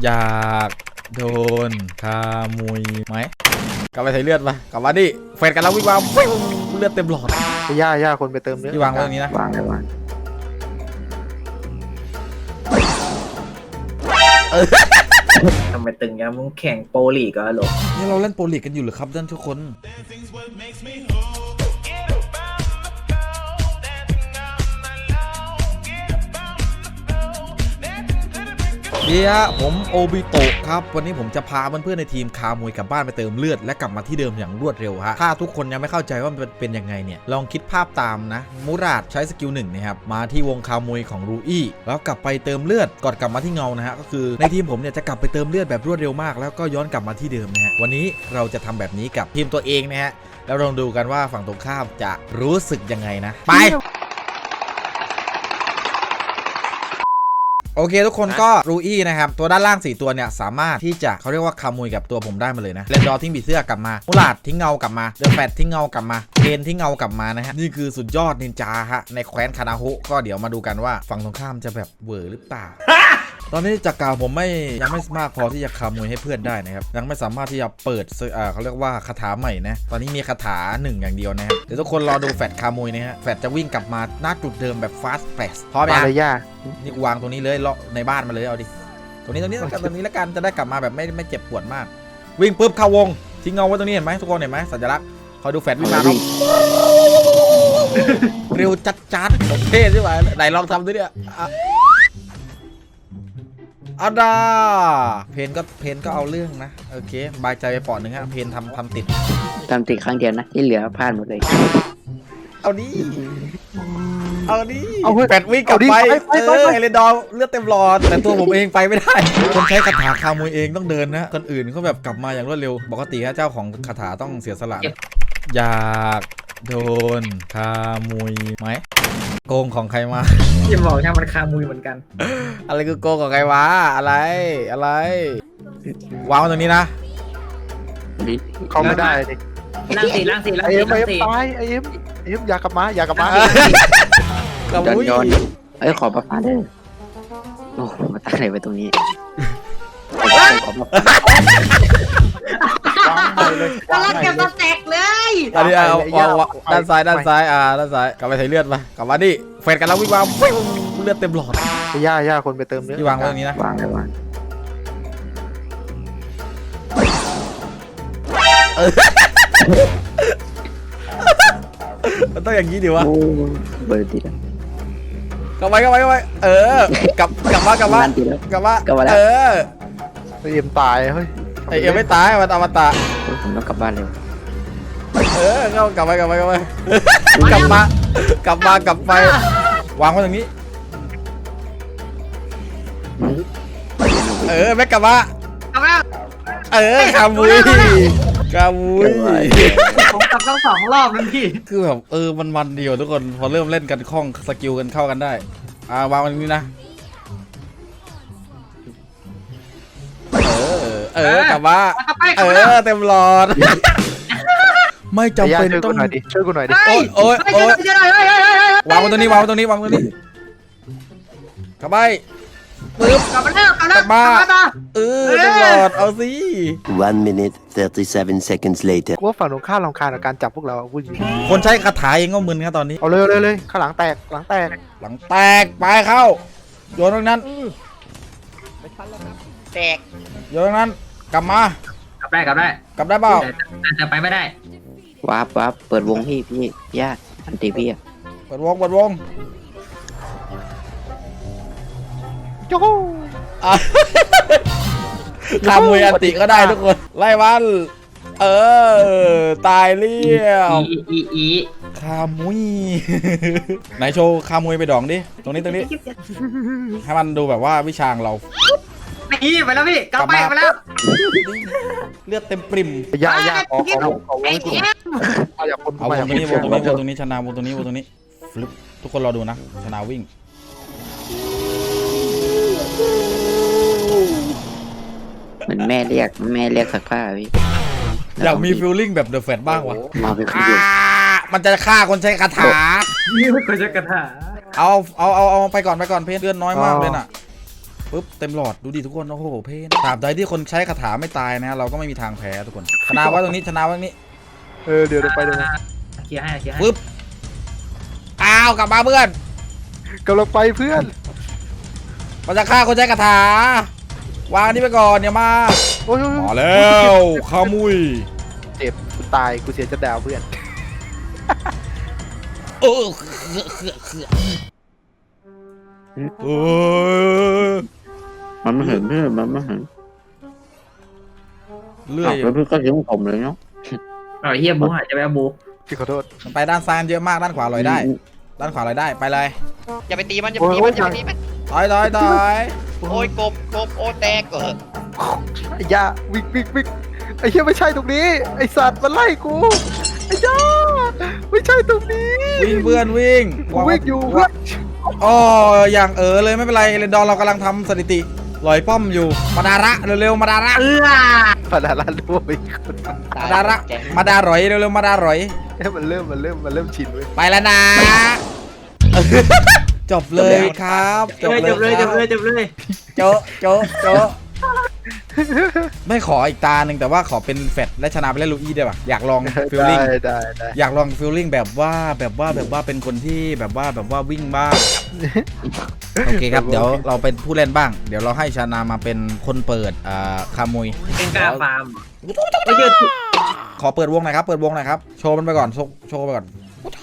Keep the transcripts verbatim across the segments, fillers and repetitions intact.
อยากโดนคามุยไหมกลับไปใส่เลือดปะกลับมาดิเฟดกันแล้ววิ่งมาวิ่งเลือดเต็มหลอดย่าย่าคนไปเติมเลือดที่วางไว้ตรงนี้นะวางเลยวางทำไมตึงยังมึงแข่งโปรลีกเหรอหรอนี่เราเล่นโปรลีกกันอยู่หรือครับท่านทุกคนเดียผมโอบิโตะครับวันนี้ผมจะพาเพื่อนๆในทีมคามวยกลับบ้านไปเติมเลือดและกลับมาที่เดิมอย่างรวดเร็วฮะถ้าทุกคนยังไม่เข้าใจว่ามันเป็นยังไงเนี่ยลองคิดภาพตามนะมูราดใช้สกิลหนึ่งนะครับมาที่วงคามวยของรูอี้แล้วกลับไปเติมเลือดก่อนกลับมาที่เงานะฮะก็คือในทีมผมเนี่ยจะกลับไปเติมเลือดแบบรวดเร็วมากแล้วก็ย้อนกลับมาที่เดิมนะฮะวันนี้เราจะทำแบบนี้กับทีมตัวเองนะฮะแล้วลองดูกันว่าฝั่งตรงข้ามจะรู้สึกยังไงนะไปโอเคทุกคนก็รูอี้นะครับตัวด้านล่างสี่ตัวเนี่ยสามารถที่จะเขาเรียกว่าคามุยกับตัวผมได้มาเลยนะเรนดอร์ทิ้งบีเสื้อกลับมามูลาดทิ้งเงากลับมาเดอะแฟตทิ้งเงากลับมาเคนทิ้งเงากลับมานะฮะนี่คือสุดยอดนินจาฮะในแคว้นคานาฮุก็เดี๋ยวมาดูกันว่าฝั่งตรงข้ามจะแบบเวอร์หรือเปล่า ตอนนี้จากกาวผมไม่ยังไม่มากพอที่จะคามวยให้เพื่อนได้นะครับยังไม่สามารถที่จะเปิดอ่าเขาเรียกว่าคาถาใหม่นะตอนนี้มีคาถาหนึ่งอย่างเดียวนะครับเดี๋ยวทุกคนรอดูแฟตคามวยนะฮะแฟตจะวิ่งกลับมาหน้าจุดเดิมแบบฟาสต์แฟสพร้อมไหมย่านี่วางตรงนี้เลยเลาะในบ้านมาเลยเอาดิตรงนี้ตรงนี้ตรงนี้แล้วกันจะได้กลับมาแบบไม่ไม่เจ็บปวดมากวิ่งปุ๊บเข้าวงทิ้งเงาไว้ตรงนี้เห็นไหมทุกคนเห็นไหมสัญลักษณ์คอยดูแฟตวิ่งมาครับเร็วจัดจัดโอเคใช่ไหมไหนลองทำดิเนี่ยอาดาเพนก็เพนก็เอาเรื่องนะโอเคบายใจไปปอดหนึ่งฮะเพนทำทำติดทำติดครั้งเดียวนะที่เหลือพลาดหมดเลยเอาดิเอาดิแปดวิ่งกลับไปเออเอเลดอร์เลือดเต็มหลอดแต่ตัวผมเองไปไม่ได้คนใช้คาถาคามวยเองต้องเดินนะคนอื่นเขาแบบกลับมาอย่างรวดเร็วปกติเจ้าของคาถาต้องเสียสละอยากโดนคามวยไหมโกงของใครมาที่บอกใช่มันคามุยเหมือนกันอะไรคือโกงของใครวะอะไรอะไรวางไว้ตรงนี้นะเขาไม่ได้ดิล่างสี่ล่างสี่ล่างไอเอ็สี่มไอเอ็มตายไอเอ็มไอเอ็มอยากกลับมาอยากกลับมากระมุ้ยเอ้ยขอประฟ้าเด้อโอ้มาตั้งอะไรไว้ตรงนี้กำลังเก็บมาแตกเลยอันนี้เอาด้านซ้ายด้านซ้ายอ่าด้านซ้ายกลับไปใส่เลือดมากลับมาดิเฟดกันแล้ววิ่งมาวิ่งเลือดเต็มหลอดย่าย่าคนไปเติมเลือดที่วางไว้ตรงนี้นะวางเลยวางมันต้องอย่างนี้ดิวะเบอร์ติดกลับไปกลับไปกลับไปเออกลับกลับมากลับมากลับมากลับมาเออไอเอ็มตายเฮ้ยไอเอ็มไม่ตายมันอมตะผมต้องกลับบ้านเร็วเออเข้ากลับไปกลับไปกลับไปกลับมากลับมากลับไปวางไว้ตรงนี้เออไม่กลับมาเออคามุยคามุยผมกลับต้องสองรอบนั่นพี่คือแบบเออมันมันเดียวทุกคนพอเริ่มเล่นกันคล่องสกิลกันเข้ากันได้อ่าวางมันนี้นะเออเออกลับมาเออเต็มหลอดไม่จำเป็นต้องช่วยกูหน่อยดิโอ้ยโอ้ยโอ้ยวางไว้ตรงนี้วางไว้ตรงนี้วางไว้ตรงนี้กลับไปปึ๊บกลับมาแล้วกลับมาเออเต็มหลอดเอาสิ one minute thirty-seven seconds later กูว่าฝั่งตรงข้ามรำคาญกับการจับพวกเราพูดจริงคนใช้คาถาเองก็มึนครับตอนนี้เอาเลยเลยเลยข้างหลังแตกหลังแตกหลังแตกไปเข้าโยนตรงนั้นแตกโยนตรงนั้นกลับมากลับได้กลับได้กลับได้เปล่าแต่ไปไม่ได้วาร์ปวาร์ปเปิดวงพี่พี่ย่าอันตีพี่อะเปิดวงเปิดวงโจ้คามุยอันติก็ได้ทุกคนไล่วันเออตายเรียวอีอีคามุยไหนโชว์คามุยไปดองดิตรงนี้ตรงนี้ให้มันดูแบบว่าวิชาเรานี่ไปแล้วพี่กลับไปไปแล้วเลือดเต็มปริ่มย่าย่าขอขอขอวงกูเอาวงตรงนี้วงตรงนี้วงตรงนี้ชนะวงตรงนี้วงตรงนี้ฟลุปทุกคนรอดูนะชนะวิ่งเหมือนแม่เรียกแม่เรียกสักผ้าพี่อยากมีฟีลลิ่งแบบเดอะแฟตบ้างวะมาเป็นคนเดียวมันจะฆ่าคนใช้คาถานี่ไม่คนใช้คาถาเอาเอาเอาเอาไปก่อนไปก่อนเพื่อนเลือดน้อยมากเลยน่ะปุ๊บเต็มหลอดดูดิทุกคนโอ้โหเพนตราบใดที่คนใช้คาถาไม่ตายนะฮะเราก็ไม่มีทางแพ้ทุกคนชนะไว้ตรงนี้ชนะไว้ตรงนี้เออเดี๋ยวเดี๋ยวไปเดี๋ยวนะเคลียร์ให้เคลียร์ให้ปุ๊บอ้าวกลับมาเพื่อนกำลังไปเพื่อนมันจะฆ่าคนใช้คาถาวางอันนี้ไปก่อนเดี๋ยวมาโอ้ยโอ้ยโอ้ยมาแล้วขมุยเจ็บกูตายกูเสียจะดาวเพื่อนเออเออมันไม่เห็นเพื่อนมันไม่เห็นเลื่ออ้าวย แล้วเพื่อนก็ยิ้มผมเลยเนาะเอาไอ้เฮียบูหายจะไปเอาบูพี่ขอโทษมันไปด้านซ้ายเยอะมากด้านขวาลอยได้ ด้านขวาลอยได้ไปเลยอย่าไปตีมันอย่าไปตีมันอย่าไปตีมันถอยถอยถอยโอ้ยกบกบโอ้แตกเออไอ้ยาวิ่งวิ่งวิ่งไอ้เหี้ยไม่ใช่ตรงนี้ไอ้สัตว์มันไล่กูไอ้ยาไม่ใช่ตรงนี้วิ่งเพื่อนวิ่งกูวิ่งอยู่เพื่อนอ๋ออย่างเออเลยไม่เป็นไรเรนดอร์เรากำลังทำสถิติลอยป้อมอยู่มาดาระเร็วๆมาดาระเอื้อพนาลาดูไปคนมาดาระมาดารอยเร็วๆมาดารอยเอ้ยมันเริ่มมันเริ่มมันเริ่มชินเว้ยไปแล้วนะ จบเลยครับจบเลยจบเลยจบเลยจบเลยโจะโจะโจะไม่ขออีกตาหนึ่งแต่ว่าขอเป็นแฟตและชนะไปเล่นลูอี้ได้ป่ะอยากลองฟิลลิ่งได้ได้ได้อยากลองฟิลลิ่งแบบว่าแบบว่าแบบว่าเป็นคนที่แบบว่าแบบว่าวิ่งบ้างโอเคครับเดี๋ยวเราเป็นผู้เล่นบ้าง เดี๋ยวเราให้ชานามาเป็นคนเปิดอ่าคามุยเป็นกล้าฟาร์มไม่เจอขอเปิดวงหน่อยครับเปิดวงหน่อยครับโชว์มันไปก่อนโชว์โชว์ไปก่อน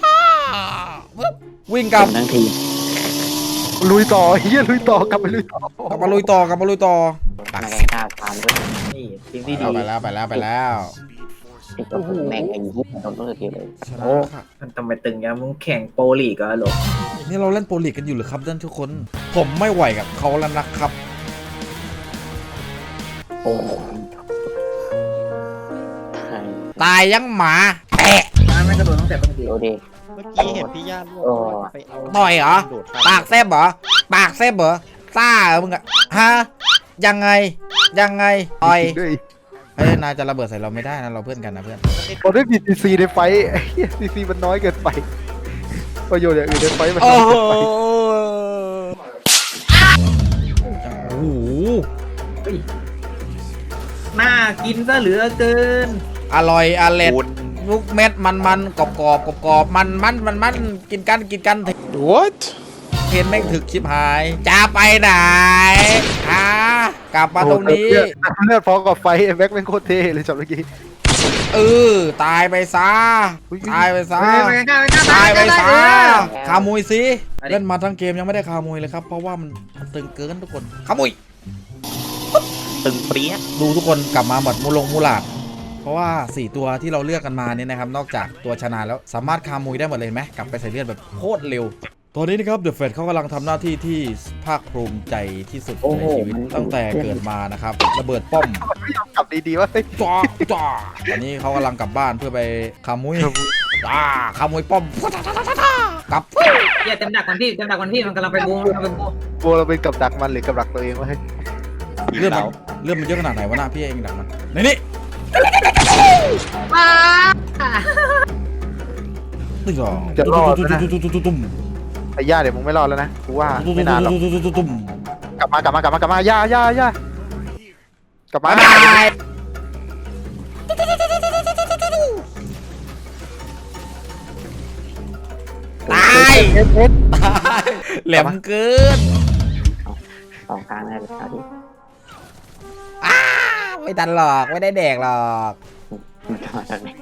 วิ่งกลับทั้งทีลุยต่อเฮียลุยต่อกลับไปลุยต่อกลับมาลุยต่อกลับมาลุยต่อมาแรงกล้าทานด้วยนี่สิ่งที่ดีเอาไปแล้วไปแล้วไปแล้วไอ้ตัวแม่งไอ้ยี่โดนต้นทีเลยชนะค่ะมันทำไมตึงยังมึงแข่งโปรลีกเหรอหรอนี่เราเล่นโปรลีกกันอยู่หรือครับท่านทุกคน ผมไม่ไหวกับเขาแล้วนะครับโอ้โหไทยตายยังหมาแตะไม่กระโดดตั้งแต่ต้นเดียวเดี๋ยวดิเมื่อกี้เห็นพี่ย่าล่วงโอ้ไปเอาต่อยเหรอโดดปากแซบเหรอปากแซบเหรอซ่าเหรอมึงอะฮะยังไงยังไงต่อยด้วยเฮ้ยนายจะระเบิดใส่เราไม่ได้นะเราเพื่อนกันนะเพื่อนเราได้บีทีซีในไฟท์ไอ้เหี้ยทีซีมันน้อยเกินไปประโยชน์อย่างอื่นในไฟท์มันโอ้น้อยโหเกินไปโอ้โหน่ากินซะเหลือเกินอร่อยอร่อยลูกเม็ดมันมันกรอบกรอบกรอบกรอบมันมันมันมันกินกันกินกัน What เพนแม่งถึกชิบหายจะไปไหนอ่ากลับมาตรงนี้เลือดเลือดพอกับไฟไอ้แบ็คแม่งโคตรเท่เลยจำเมื่อกี้เออตายไปซะตายไปซะไปกล้าไปกล้าตายไปซะเออขามุยสิไปดิเล่นมาทั้งเกมยังไม่ได้ขามุยเลยครับเพราะว่ามันมันตึงเกินทุกคนขามุยตึงเปรี้ยดูทุกคนกลับมาหมดมูลงมูหลาดเพราะว่าสี่ตัวที่เราเลือกกันมาเนี่ยนะครับนอกจากตัวชนะแล้วสามารถคามุยได้หมดเลยเห็นไหมกลับไปใส่เลือดแบบโคตรเร็วตอนนี้นะครับเดอะเฟดเขากำลังทำหน้าที่ที่ภาคภูมิใจที่สุดในชีวิตตั้งแต่เกิดมานะครับระเบิดป้อมไม่ยอมกลับดีๆวะจ้าจ้าตอนนี้เขากำลังกลับบ้านเพื่อไปคามุยจ้าคามุยป้อมกลับเฮียเต็มดักมันพี่เต็มดักมันพี่มันกำลังไปบูมกำลังไปบูมกลัวเราเป็นกับดักมันหรือกับดักตัวเองวะเฮ้ยเรื่องมันเรื่องมันเยอะขนาดไหนวะหน้าพี่เองดักมันในนี่ตึ้งสองจะรอดไหมนะตุ้มไอ้ย่าเดี๋ยวมึงไม่รอดแล้วนะกูว่าไม่นานหรอกตุ้มกลับมากลับมากลับมากลับมาย่าย่าย่ากลับมาบายตายเอ็ดเอ็ดแหลมเกินสองกลางได้เลยครับที่อ้าไม่ทันหรอกไม่ได้แดกหรอกมันจะมาจากไหน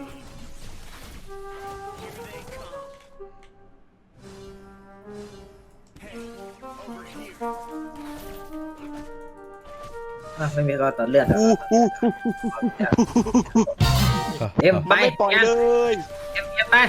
อ่ะไม่มีก็ต่อเลือดอะเอ็มไปไม่ปล่อยเลยเอ็มเอ็มไป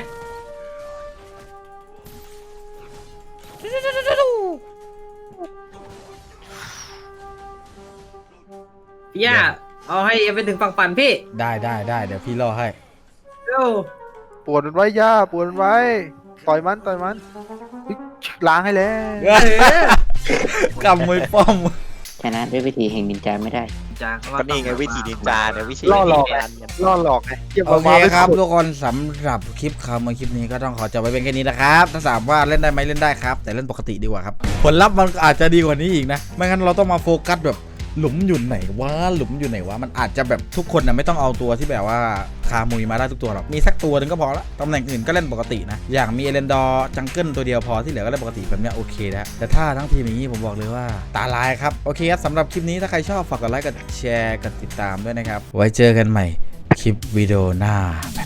พี่ย่าเอาให้เอ็มไปถึงฝั่งฝันพี่ได้ได้ได้เดี๋ยวพี่ล่อให้เร็วปวดมันไว้ย่าปวดมันไว้ต่อยมันต่อยมันเฮ้ยล้างให้แล้วกำมวยป้อมชนะด้วยวิธีแห่งนินจาไม่ได้จาเขาก็นี่ไงวิธีนินจาเนี่ยวิธีล่อหลอกนินจาเนี่ยล่อหลอกไงเหี้ยโอเคมาไม่ครับสุดทุกคนสำหรับคลิปคำมาคลิปนี้ก็ต้องขอจบไว้เป็นแค่นี้นะครับถ้าถามว่าเล่นได้ไหมเล่นได้ครับแต่เล่นปกติดีกว่าครับผลลัพธ์มันอาจจะดีกว่านี้อีกนะไม่งั้นเราต้องมาโฟกัสแบบหลุมอยู่ไหนวะหลุมอยู่ไหนวะมันอาจจะแบบทุกคนนะไม่ต้องเอาตัวที่แบบว่าคามุยมาได้ทุกตัวหรอกมีสักตัวหนึ่งก็พอละตำแหน่งอื่นก็เล่นปกตินะอย่างมีเอเลนดอร์จังเกิลตัวเดียวพอที่เหลือก็เล่นปกติแบบเนี้ยโอเคแล้วแต่ถ้าทั้งทีมอย่างนี้ผมบอกเลยว่าตาลายครับโอเคครับสำหรับคลิปนี้ถ้าใครชอบฝากกดไลค์กดแชร์กดติดตามด้วยนะครับไว้เจอกันใหม่คลิปวิดีโอหน้า